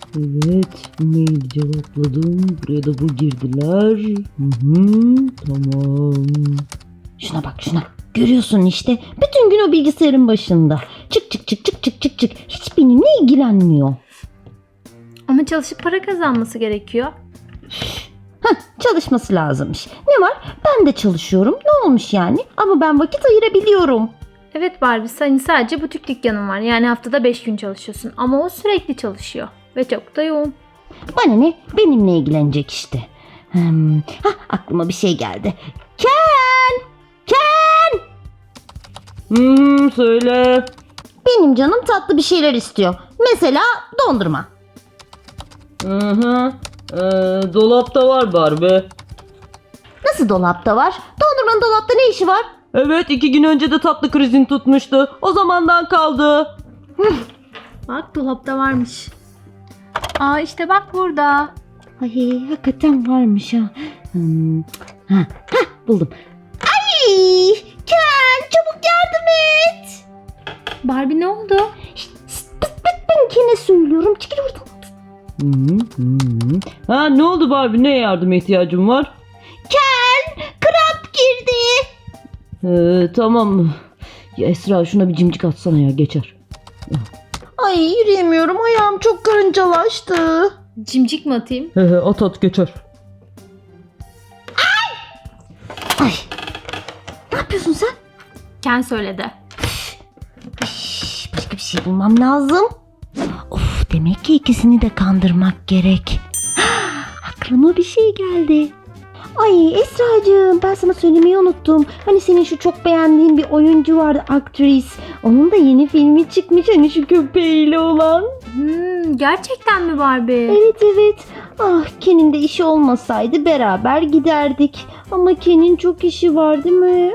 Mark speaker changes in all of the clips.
Speaker 1: Evet, mail cevapladım. Buraya da bu girdiler. Tamam. Şuna bak şuna. Görüyorsun işte. Bütün gün o bilgisayarın başında. Çık çık çık çık çık çık çık. Hiç benimle ilgilenmiyor.
Speaker 2: Ama çalışıp para kazanması gerekiyor.
Speaker 1: Çalışması lazımmış. Ne var? Ben de çalışıyorum. Ne olmuş yani? Ama ben vakit ayırabiliyorum.
Speaker 2: Evet Barbie, senin sadece butik dükkanın var. Yani haftada 5 gün çalışıyorsun. Ama o sürekli çalışıyor. Ve çok da yoğun.
Speaker 1: Bana ne? Benimle ilgilenecek işte. Aklıma bir şey geldi. Ken! Ken! Söyle. Benim canım tatlı bir şeyler istiyor. Mesela dondurma. Dolapta var Barbie. Nasıl dolapta var? Dondurmanın dolapta ne işi var? Evet, 2 gün önce de tatlı krizin tutmuştu. O zamandan kaldı.
Speaker 2: Bak, dolapta varmış. Aa, işte bak burada.
Speaker 1: Ay, hakikaten varmış ha. Buldum. Ay! Ken, çabuk yardım et.
Speaker 2: Barbie, ne oldu?
Speaker 1: Ben Ken'e söylüyorum. Çekil oradan. Ne oldu Barbie? Ne yardıma ihtiyacın var? Ken, kramp girdi. Tamam. Ya Esra, şuna bir cimcik atsana ya, geçer. Ay, yürüyemiyorum. Ayağım çok karıncalaştı.
Speaker 2: Cimcik mi atayım?
Speaker 1: At geçer. Ay. Ne yapıyorsun sen?
Speaker 2: Ken söyledi.
Speaker 1: Başka bir şey bulmam lazım. Of, demek ki ikisini de kandırmak gerek. Aklıma bir şey geldi. Ay Esracığım, ben sana söylemeyi unuttum. Hani senin şu çok beğendiğin bir oyuncu vardı, aktris. Onun da yeni filmi çıkmış, hani şu köpeğiyle olan.
Speaker 2: Gerçekten mi Barbie?
Speaker 1: Evet. Ah, Ken'in de işi olmasaydı beraber giderdik. Ama Ken'in çok işi var değil mi?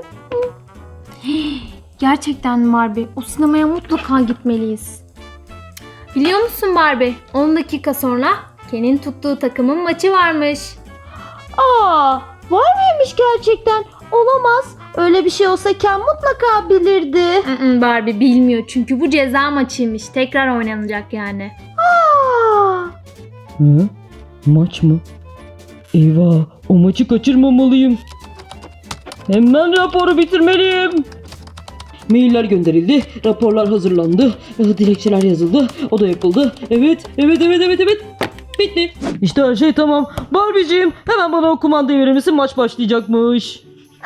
Speaker 2: Gerçekten mi Barbie? O sinemaya mutlaka gitmeliyiz. Biliyor musun Barbie? 10 dakika sonra Ken'in tuttuğu takımın maçı varmış.
Speaker 1: Aa, var mıymış gerçekten? Olamaz. Öyle bir şey olsa Ken mutlaka bilirdi.
Speaker 2: Barbie bilmiyor çünkü bu ceza maçıymış. Tekrar oynanacak yani.
Speaker 1: Aa! Maç mı? Eyvah, o maçı kaçırmamalıyım. Hemen raporu bitirmeliyim. Mailler gönderildi, raporlar hazırlandı, dilekçeler yazıldı, o da yapıldı. Evet. Bitti. İşte her şey tamam. Barbie'ciğim, hemen bana o kumandayı verir misin? Maç başlayacakmış.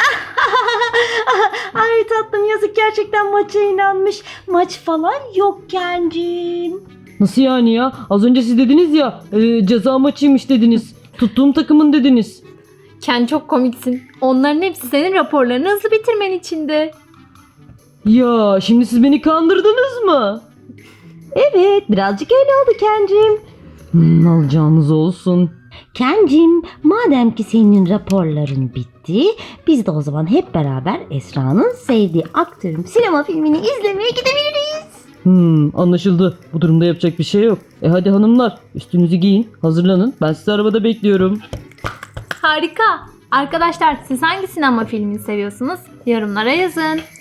Speaker 1: Ay tatlım, yazık, gerçekten maça inanmış. Maç falan yok Kencim. Nasıl yani ya? Az önce siz dediniz ya, ceza maçıymış dediniz. Tuttuğum takımın dediniz.
Speaker 2: Ken, çok komiksin. Onların hepsi senin raporlarını hızlı bitirmen içindi.
Speaker 1: Ya şimdi siz beni kandırdınız mı? Evet, birazcık öyle oldu Kencim. Alacağınız olsun. Kencim, madem ki senin raporların bitti, biz de o zaman hep beraber Esra'nın sevdiği aktörün sinema filmini izlemeye gidebiliriz. Anlaşıldı. Bu durumda yapacak bir şey yok. Hadi hanımlar, üstünüzü giyin, hazırlanın. Ben sizi arabada bekliyorum.
Speaker 2: Harika. Arkadaşlar, siz hangi sinema filmini seviyorsunuz? Yorumlara yazın.